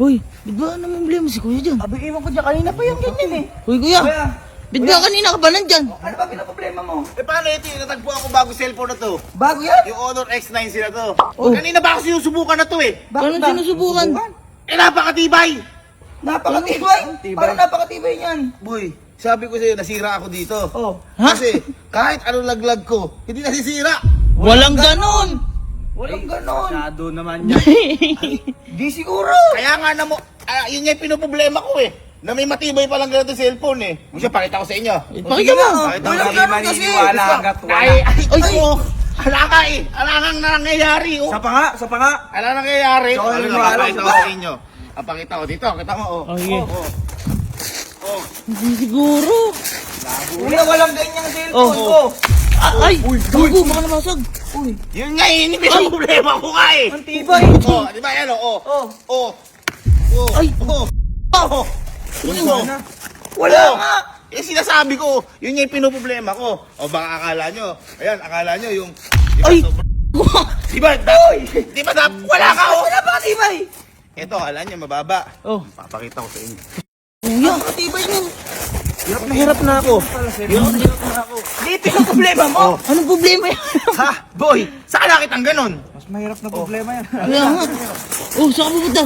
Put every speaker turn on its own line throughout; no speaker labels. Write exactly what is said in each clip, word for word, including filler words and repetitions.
Hoy, bit ba ano problema si kuya dyan?
Abi, iwan ko dyan. Kanina pa yung ganyan eh.
Hoy kuya,
Kuya,
bit ba kanina ka ba nandyan?
ano ba pinaproblema mo?
Eh paano ito yung natagpuan ko bago cellphone na to?
Bago yan?
Yung Honor X nine sila to.
Oh.
Kanina ba ako sinusubukan na to eh?
Paano sinusubukan?
Eh napakatibay!
Napakatibay. Parang napakatibay niyan.
Boy, sabi ko sa'yo, nasira ako dito.
Oh.
Ha?
Kasi kahit anong laglag ko, hindi nasisira.
Walang ganon!
Walang ganon.
Masyado naman yan.
Di siguro.
Kaya nga na mo, ah, yun nga yung pinoproblema ko eh. Na may matibay palang ganito cellphone eh. Kung siya, pakita ko sa inyo.
Pakita mo!
Pakita ko
Walang
sa
ganon kasi.
Ay, ay, ay, ay, oh. Ala ka eh. Ala nang nangyayari oh.
Sa pa nga, sa pa nga.
Ala nang nangyayari.
Ikaw
Ano
yung
na,
wala,
pakita ko
diba?
sa inyo. Ah, pakita ko dito, kita mo oh.
Oh, sige.
Oh, oh.
Hindi siguro.
Kuya, walang ganyang cellphone
Oh,
ko.
Ah, ay! Gago, baka namasag.
Uy,
Yun nga eh, hindi may problema ko nga eh.
ang tibay.
Oh, di ba yan oh?
Oh.
Oh. Oh.
Ay.
Oh. Oh. Yun mo.
Wala
Oh.
nga.
Eh sinasabi ko, yun nga yung pinoproblema ko. O baka akala nyo, ayan, akala nyo yung... Di ba,
Ay!
sobrang- Di ba, da, di ba, da, wala ka oh!
Wala napakatibay.
Ito, akala nyo, mababa.
Oh,
Papakita ko sa inyo.
kuya.
Napakatibay niyan.
Hirap na hirap na ako. Hirap na hirap na ako.
Dito yung problema mo.
Oh.
Anong problema yan?
Ha? Boy, saan nakitang ganun?
Mas mahirap na problema yan.
Kaya nga. Oh, saan ka pupunta?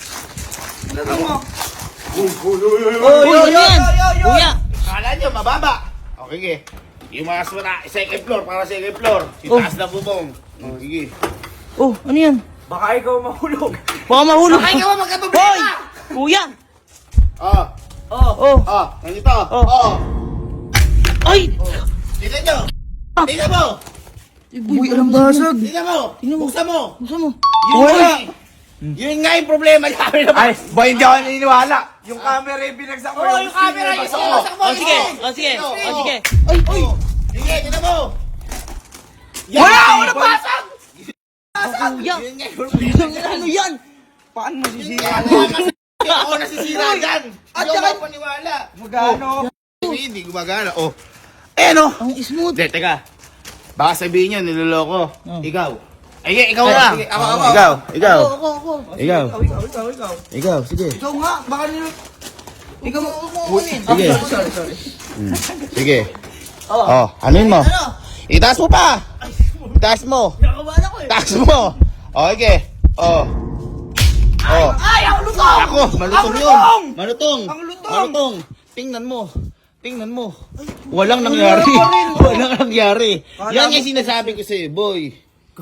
Ano mo?
Uy, uy, uy, uy,
Oh,
yo,
ano
yo,
yan?
yo, yo, yo.
Kuya.
Akala nyo, mababa. Okay, sige. Yung mga sura, second floor, para second floor.
Oh.
Itaas na bubong. Oh, sige.
Oh, ano yan?
Baka ikaw mahulog.
Baka mahulog.
Ay, ikaw
Hoy!
magkaproblema!
Kuya!
Oh,
Oh.
Oh!
oh, ganito.
Oh.
Oh.
Ay!
Tignan nyo. Tignan mo.
Uy, alam basag.
Tignan mo.
Tingnan mo.
Buksan mo.
Buksan mo.
Yun
Wala.
nga eh. Yun nga yung problema namin.
Ay, boy, hindi ako naniniwala. Yung camera yung binagsak mo.
Oh, yung camera, yung
binagsak mo.
sinasaksak mo.
Oh, sige.
Ito.
Oh, sige.
Ito.
Oh, sige.
Ay, ay. Sige, tignan mo. Yan.
Wala ako nabasag!
Kuya!
Yun nga yung problema.
Ano yan?
Paano
Yun
masisira?
nga, kaya kasi ako nasisira dyan.
At
Hindi
saka-
ako paniwala.
Magano?
Hindi, hindi gumagana. Oh. Eh, no?
Ang smooth.
Hindi, teka. Baka sabihin nyo, niloloko.
Oh.
Ikaw. Ay, ikaw
Ay,
lang.
sige, ako, ako.
Ikaw, ikaw.
Ako, ako, ako.
Ikaw.
Ikaw, ikaw, ikaw, ikaw.
Ikaw, sige.
Ikaw nga, baka nilo... Ikaw mo...
Sige.
Ah, sorry, sorry.
Sige.
Oh.
Oh, anuin mo.
Ano?
Itaas mo pa. Itaas mo.
Nakakabala ko eh.
Itaas mo. Oh, okay. Oh. Oh.
Ay, ang lutong!
Ako, malutong
Ang
yun.
lutong!
Malutong.
Ang lutong!
Malutong. Tingnan mo. Tingnan mo. Walang nangyari. Walang nangyari. Yan yung sinasabi ko sa'yo, boy.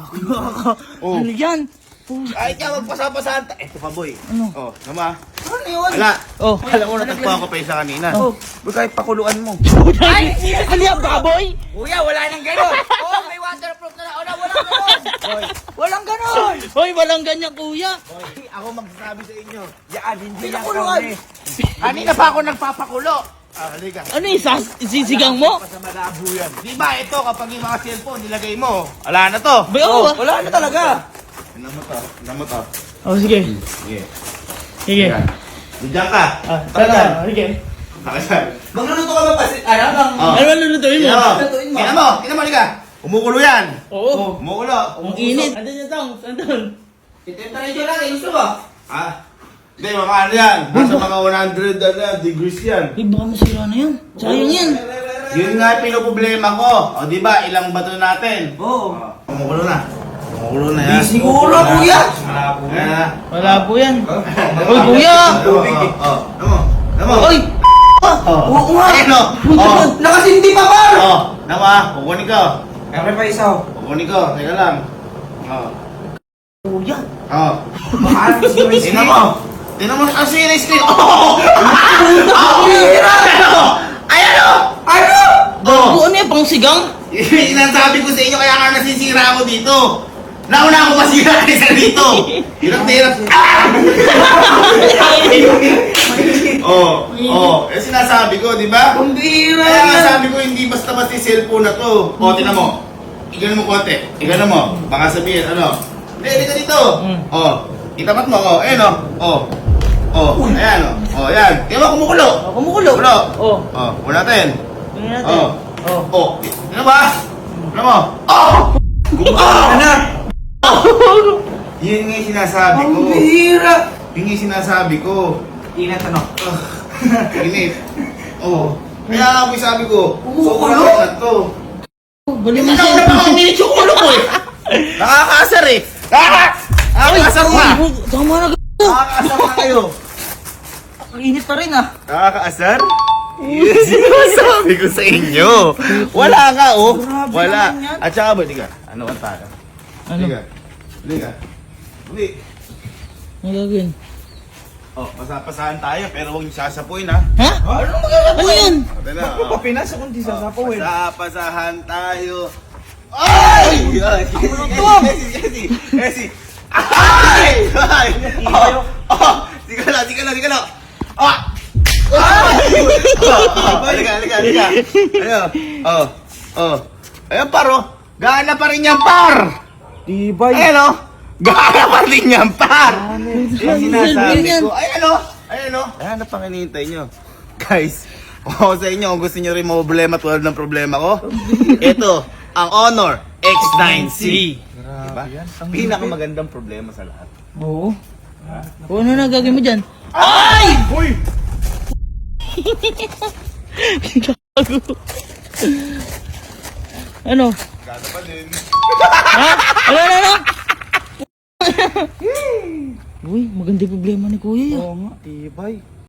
Oh.
Ano yan?
Ay, kaya magpasapasahan. ta- Eto pa, boy.
Ano?
Oh, nama.
Ano yun?
Wala.
Oh.
Alam mo, natagpuan ko pa isa kanina.
Oh, huwag kahit pakuluan mo.
Ay! Ano yan, baboy?
Kuya, wala nang gano'n. Oh, may waterproof na na. Oh, walang gano'n. Walang gano'n.
Hoy, walang ganyan, kuya.
Boy, ako magsasabi sa inyo.
Yan, hindi yan Pinakuluan. kami.
Kanina pa ako nagpapakulo. Ah, halika.
Ano yung sas- sisigang mo?
Sa malabo yan. Di ba ito, kapag yung mga cellphone nilagay mo, wala na to.
Bay, ako ah.
Wala na talaga.
Tignan mo to. Tignan mo to.
Oh, sige.
Sige.
Sige.
Yan. Diyan ka.
Ah,
Talaga.
tara, sige.
Nakasan.
Magluluto ka ba pa? Ano bang...
Oh.
Ano ba lulutuin mo?
Tignan mo.
Lutuin mo.
Tignan mo. Tignan mo, halika. Umukulo yan.
Oo.
Umukulo.
Ang init. Andun yung tong. Andun.
Temperature lang, eh. Gusto ba?
Ah. Hindi, mga ano yan. Nasa mga one hundred ano yan, degrees yan.
Ay, baka masira na yan. Sayang yan.
Yun nga yung pinoproblema ko. O, di ba, ilang bato natin?
Oo.
Oh, umukulo na. Umukulo na yan.
Di siguro, kuya.
Malabo na.
Wala po yan. Hoy, kuya!
Tubig eh. Oh, ano mo? Ano mo?
Oy!
Oh.
Oo nga.
Ayun o. Oh.
Nakasindi pa ba?
Oh. Nama, kukunin ko.
Kaya pa isa.
Kukunin ko. Teka lang. Oh.
Kuya!
Oh.
Baka si
Tingnan mo. Tingnan mo ang series screen. Oh! Oh! Ayan o! Ayan o!
Ano?
Gago, ano yan? Pang sigang?
Yun ang sabi ko sa inyo, kaya nga nasisira ako dito. Nauna ako masira kaysa dito. Hirap na hirap. Ah! Oh, oh. Eh sinasabi ko, di ba?
Kumbira
Kaya nga
yan.
sabi ko, hindi basta-basta yung cellphone na to. O, tinan mo. Igano mo konti. Igano mo. Baka sabihin, ano? Hindi, halika dito.
Mm.
Oh, itapat mo. Oh, ayan o. Oh. Oh, ayan o. Oh, ayan. Tingnan mo, kumukulo.
Oh, kumukulo.
Kumukulo.
Oh.
Oh, wala natin.
Tingnan natin.
Oh.
Oh.
Oh, ano ba? Ano mo? Oh!
Gumagana na.
Yun nga yung sinasabi ko.
Ang bihira.
Yun yung sinasabi ko.
Inat ano?
Init. Oo. Kaya nga po sabi ko,
Ulo?
sobrang inat to.
Bali mo
Ikaw
siya.
na baka uminit yung ulo ko eh. Nakakaasar eh. Nakaka- Nakakaasar na.
Uy, tama na gago.
Nakakaasar na kayo.
Ang init pa rin ah.
Nakakaasar? Yes, sinasabi ko sa inyo. Wala ka, oh.
Grabe
Wala.
naman yan.
At saka ba, di ka? Ano ang tayo?
Ano?
Di ka? Di ka? Di.
Ano gagawin?
Oh, pasapasahan tayo, pero huwag niyo sasapuin, ha?
Ha? Ano magagawa? Ano yan?
Ate na,
Ano
oh.
pa Pinas kung di sasapawin?
Pasapasahan tayo. Ay! Ay! Kasi, kasi, kasi. Ay! Ay! Oh! Oh! Sige lang, sige lang, sige lang. Ah! Ay! Oh! Halika, halika, halika. Ayo. Oh. Oh. Ayan, paro. Gana pa rin yan, par!
Tibay.
Ayan, oh. Gana pa rin yan, par! Yung sinasabi
Yan.
ko. Ayan, oh. Ayan, oh. Ayan, na pang hinihintay nyo. Guys, ako sa inyo, kung gusto nyo rin mga problema tulad ng problema ko, ito, ang Honor X nine C. Diba? Pinakamagandang problema sa lahat.
Oo. O ano na gagawin mo dyan? Ay!
Uy!
Gago. Ano?
Gana pa din.
Ha? Ano, ano, ano? Uy, maganda yung problema ni Kuya.
Oo nga, tibay.